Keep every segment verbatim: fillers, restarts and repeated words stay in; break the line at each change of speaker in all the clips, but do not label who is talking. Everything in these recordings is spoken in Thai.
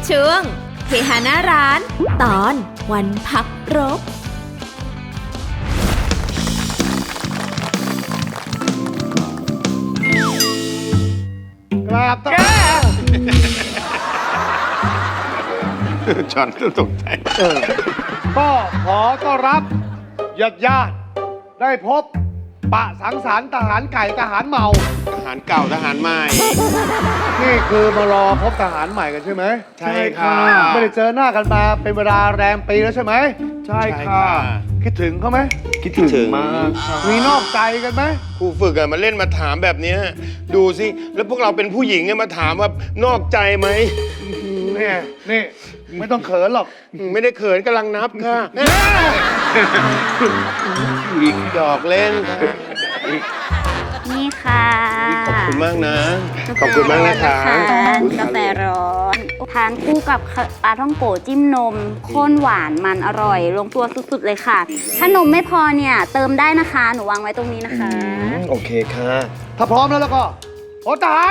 ช่วงเฮฮาหน้าร้านตอนวันพักรบ
กราบตา
จอนต้องตกใจ
ก็ขอต้อนรับญาติญาติได้พบปะสังสรรค์ทหารไก่ทหารเมา
ทหารเก่าทหารใหม่
นี่คือมารอพบทหารใหม่กันใช่ไหม
ใช่ค่ะ
ไม่ได้เจอหน้ากันมาเป็นเวลาแรมปีแล้วใช่ไหมใช่ค่ะคิดถึงเขาไหม
คิดถึงมาก
มีนอกใจกันไหม
ครูฝึกอะมาเล่นมาถามแบบเนี้ยดูสิแล้วพวกเราเป็นผู้หญิงเนี่ยมาถามว่านอกใจไหม
นี่นี่ไม่ต้องเขินหรอก
ไม่ได้เขินกำลังนับค่ะอีกดอกเล่นค่ะ
นี่ค่ะ
ขอบคุณมากนะ ขอบคุณมากนะคะ
กาแฟร้อนทานคู่กับปลาท่องโกจิ้มนมข้นหวานมันอร่อย ลงตัวสุดๆเลยค่ะ ถ้านมไม่พอเนี่ยเติมได้นะคะ หนูวางไว้ตรงนี้นะคะ
โอเคค่ะ
ถ้าพร้อมแล้วแล้วก็พลทหาร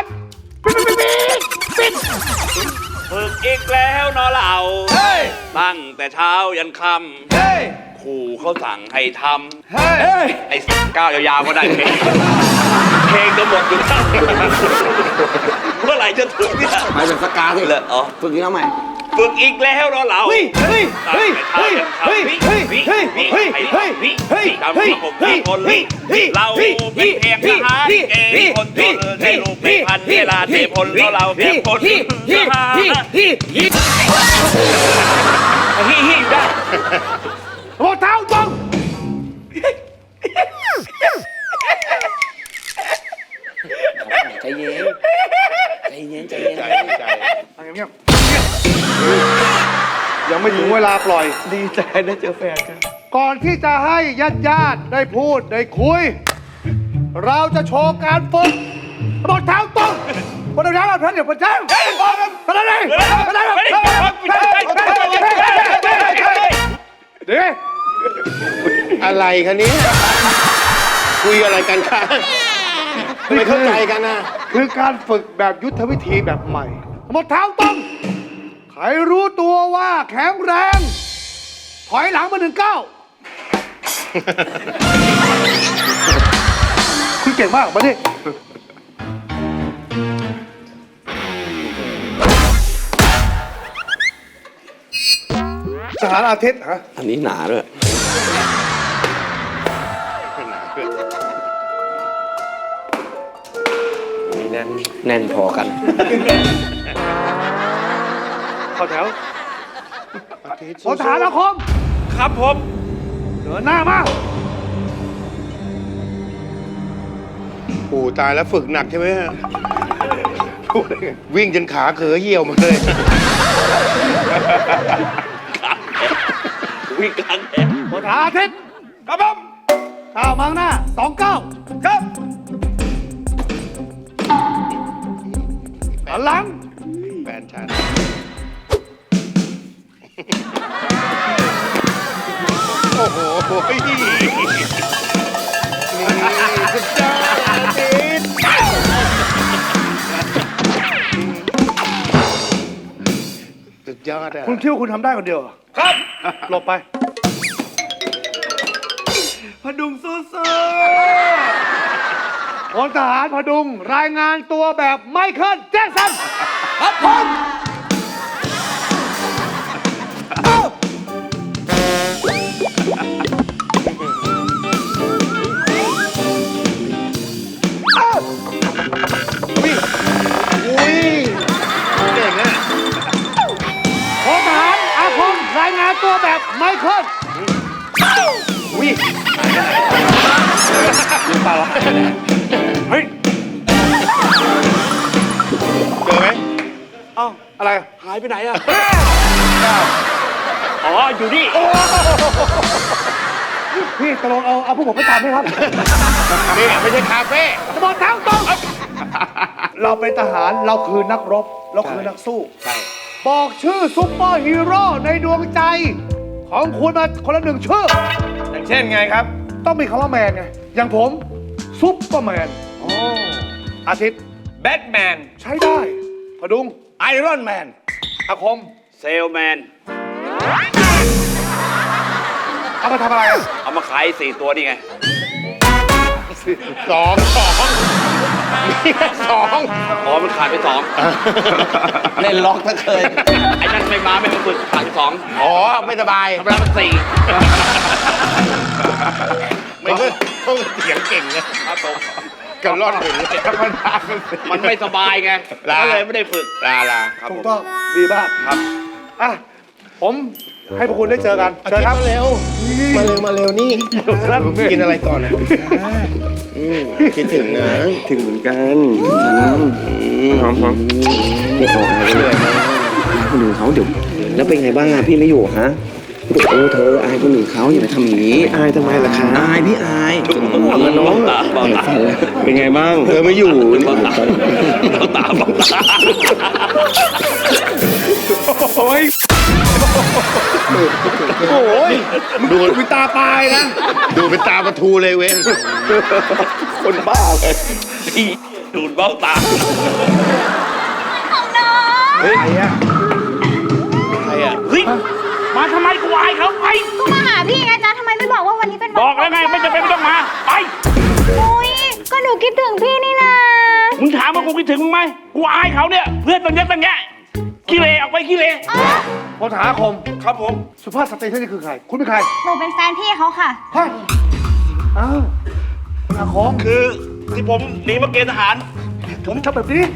ฝึกอีกแล้วเนอะเราตั้งแต่เช้ายันค่ำครูเขาสั่งให้ทำไอ้ก้าวยาวๆก็ได้เพลงเพลงจะหมดอยู่แล้วเมื่อไหร่จะถึงเนี่ย
ไปเป็นสกาสิ
เลยอ๋อ
ฝึกนี้แล้วใหม่
ฝึกอีกแล้วเนอะเรา
เฮ้ยเฮ้ยเฮ้ยเฮ้ยเฮ้ยเฮ้ยเฮ้ยเฮ้ยเฮ้ยเฮ้ยเฮ้ย
ทำให้ผมทุกคนเราเป็นเพียงทหารเกณฑ์คนจนในรูปเป็นพันเวลาเทพลเพราะเราเพียงคนทหารฮิฮิได้
รองเท้าตรง
ใจเย็น ใจเย็น ใจเย็น
ใจใจ
เงียบยังไม่ถึงเวลาปล่อย
ดีใจได้เจอแฟนครับ
ก่อนที่จะให้ญาติญาติได้พูดได้คุย เราจะโชว์การฝึกรองเท้าตรงบนรองเท้าเราเพื่อนเดี๋ยวผมแจ้งไปเลยไปเลยไปเลยเดี๋ยว
อะไรคะเนี้คุยอะไรกันคะทำไมเข้าใจกันนะ
คือการฝึกแบบยุทธวิธีแบบใหม่รองเท้าตรงใครรู้ตัวว่าแข็งแรง ถอยหลังมาหนึ่งเก้าคุณเก่งมากมาดิทหารอาทิตย์ฮะ
อันนี้หนาด้วยนี่แน่นแน่นพอกัน
เข้าแถวพลทหารอาคม
ครับผม
เดินหน้ามา
โอ้ตายแล้วฝึกหนักใช่ไหมฮะวิ่งจนขาเขอเหี่ยวหมดเลย
วิ่งกลางแดด
พลทหารอาทิตย์ครับผมก้าวมาข้างหน้าสองเก้าครับหันหลัง
แฟนฉันโอ้โหนี่สุดยอดอาทิตย์สุดยอดอ่ะ
คุณคิดว่าคุณทำได้คนเดียวเหรอครับ หลบไป
พดุงสู้
พลทหารพดุง รายงานตัวแบบไมเคิลแจ็คสันครับผม
อุ้ยเก่งอ่ะ
พลทหารอาคม รายงานตัวแบบไมเคิล
อุ้ย
เฮ้ย
เจอไหม
อะไร
หายไปไหนอ่ะ อ๋อ อยู่นี่
พี่ตกลงเอาเอาพวกผมไปตามไหมครับ
นี่ไม่ใช่คาเฟ่
จะบอกทางตรงเราเป็นทหารเราคือนักรบ เราคือนักสู้
ใช่
บอกชื่อซุปเปอร์ฮีโร่ในดวงใจ ของคุณมาคนละหนึ่งชื่อ
อย่างเช่นไงครับ
ต้องมีคำว่าแมนไง อย่างผมซุปเปอร์แมนอาทิตย์
แบทแมน
ใช้ได้พดุง
ไอรอนแมน
อาคม
เซลแมน
เอามาทำอะไรอะ
เอามาขายสี่ตัวนี่ไง
สองสองมีแค่สอง
อ๋อ มันขาดไปสอง
เล่นล็อกทั้งเคย
ไอ้นั่นไม่มาไม่มาฝึกขาดไปสอง
อ๋อ ไม่สบาย
ธรรมดามันสี่
ไม่ต้องต้องเสียงเก่งนะครับ
ผม
กันรอดถึงธรรมดาเป็นสี่
มันไม่สบายไง
ลา
ก็เลยไม่ได้ฝึก
ลาลา
ครับ
ถู
ผ
ก
ม
ต้องดีมาก
ครับ
อ่ะผมให้พวกคุณได้เจอกันเจอครับ
มาเร็ว มาเร็ว มาเร็วนี่ กินอะไรก่อนนะอืมคิดถึงนะ
ถึงเหมือนกันหอมหอมเดี๋ยวขอหายไปเลยคนอื่นเขาเดี๋ยวแล้วเป็นไงบ้างอะพี่ไม่อยู่ฮะโอ้เธออายคนอื่นเขาอย่าไปทำอย่างนี้อายทำไมล่ะคะอายพี่อายน้องเป็นไงบ้างเธอไม่อยู่
บ้าตาบ้าตาบ้าตา
โอ้ยโอ้ยดูเป็นตาปลายนะ
ดูเป็นตาประทูเลยเว้น
คนบ้าเลย
นี่ดูดเบ้าตา
ของน้อง
เฮ้ยใครอะ
ใครอ่ะ
เฮ้ย มาทำไมกูอายเขาไป
ก็มาหาพี่ไงจ๊ะทำไมไม่บอกว่าวันนี้เป็นวัน
บอกแล้วไง ไม่จำเป็นไม่ต้องมา ไป
โอ้ยก็หนูคิดถึงพี่นี่นะ
มึงถามว่ากูคิดถึงมึงไหมกูอายเขาเนี่ย เพื่อนตั้งเยอะตั้งแยะขี้เลออกไปขี้เล
พลฐานอาคม
ครับผม
สุภาพสตรีท่านนี้คือใคร คุณเป็นใคร
หนูเป็นแฟนพี่เขาค่ะ
ฮะอ้าวคุณอาคม
คือที่ผมหนีมาเกณฑ์ทหาร
ผมทำแบบนี้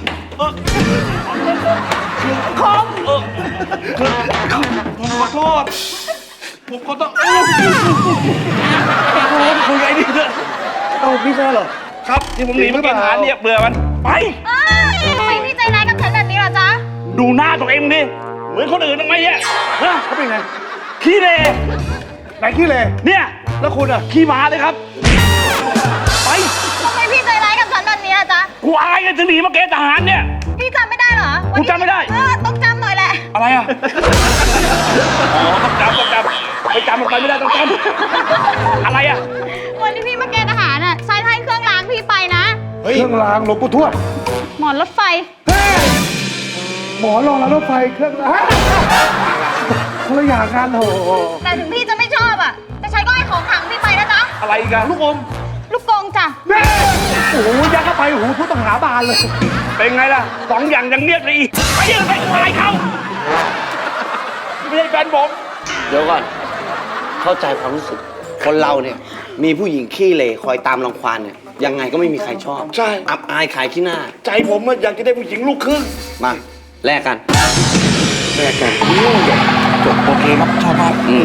คอมเออคือผมขอโทษ ผมขอโทษเอ้าโอ้ยคุยไอ้นี่เถอะ
เอ้าพี่ใช่เหรอ
ครับที่ผมหนีมาเกณฑ์ทหารเนี่ยเบื่อมัน ไป
อ้าวทำไมพี่ใจร้ายกับฉันแบบนี้ล่ะจ๊ะ
ดูหน้าตัวเองดิ เหมือนคนอื่นทำไมเนี่ยฮะ
เขาเป็นไง
ขี้เล
ไหนขี้เลย
เนี่ย
แล้วคุณอะ
ขี้หมาเลยครับ ไป
ทำไมพี่ใจร้ายกับฉันแบบนี้ล่ะจ๊ะ
กูอายกันถึงหนีมาเกณฑ์ทหารเนี่ย
พี่จำไม่ได้เหรอวัน
กู
นี้
จำไม่ได้
เออต้องจำหน่อยแหละ
อะไรอ่ะ อ๋อต้องจำต้องจำไปจำมันไปไม่ได้ต้องจำอะไรอ่ะ
วันที่พี่มาเกณฑ์ทหารอ่ะใช้ให้เครื่องล้างพี่ไปนะ
เครื่องรางหลวงปู่ทวด
หมอนรถไฟ
เฮ้ยหมอรองแล้วรถไฟเครื่องรางคนละอย่างกันโอ้โห
แต่ถึงพี่จะไม่ชอบอ่ะ แต่ฉันก็ให้ของขลังพี่ไปนะจ๊ะ
อะไรอีกัน
ลูกอม
ลูกกรงจ้ะ
แม่โอ้โหยักเข้าไปโอ้โหผู้ต้องหาบานเลย
เป็นไงล่ะสองอย่างยังเรียกเลยอีกไปยังไปอายเขาไม่ใช่แฟนผม
เดี๋ยวก่อน เข้าใจความรู้สึก คนเราเนี่ย มีผู้หญิงขี้เหร่คอยตามรังควานเนี่ย ยังไงก็ไม่มีใครชอบ
ใช่
อับอายขายขี้หน้า
ใจผมอะอยากจะได้ผู้หญิงลูกครึ่ง
มา แลกกัน
แรกกันจบโอเคครับชอบมาก
อืม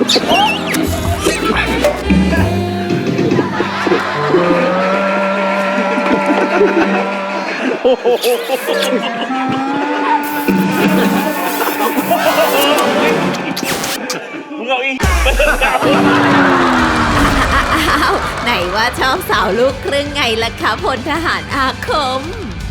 มึงเอาอีกไปเถอะ
อ้าว ไหนว่าชอบสาวลูกครึ่งไงล่ะคะพลทหารอาคม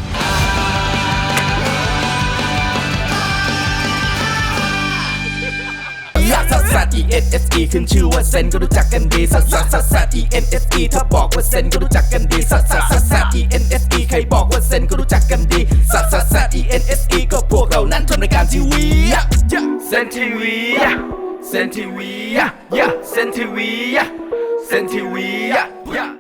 ลักซัสซัส E N S E ขึ้นชื่อว่าเซนก็รู้จักกันดีซัสซัสซัสซัส E N S E ถ้าบอกว่าเซนก็รู้จักกันดีซัสซัสซัสซัส E N S E ใครบอกว่าเซนก็รู้จักกันดีซัสซัสซัส E N S E ก็พวกเรานั้นทำรายการทีวีเซนทีวีเซนทีวีเซนทีวีเซนทีวี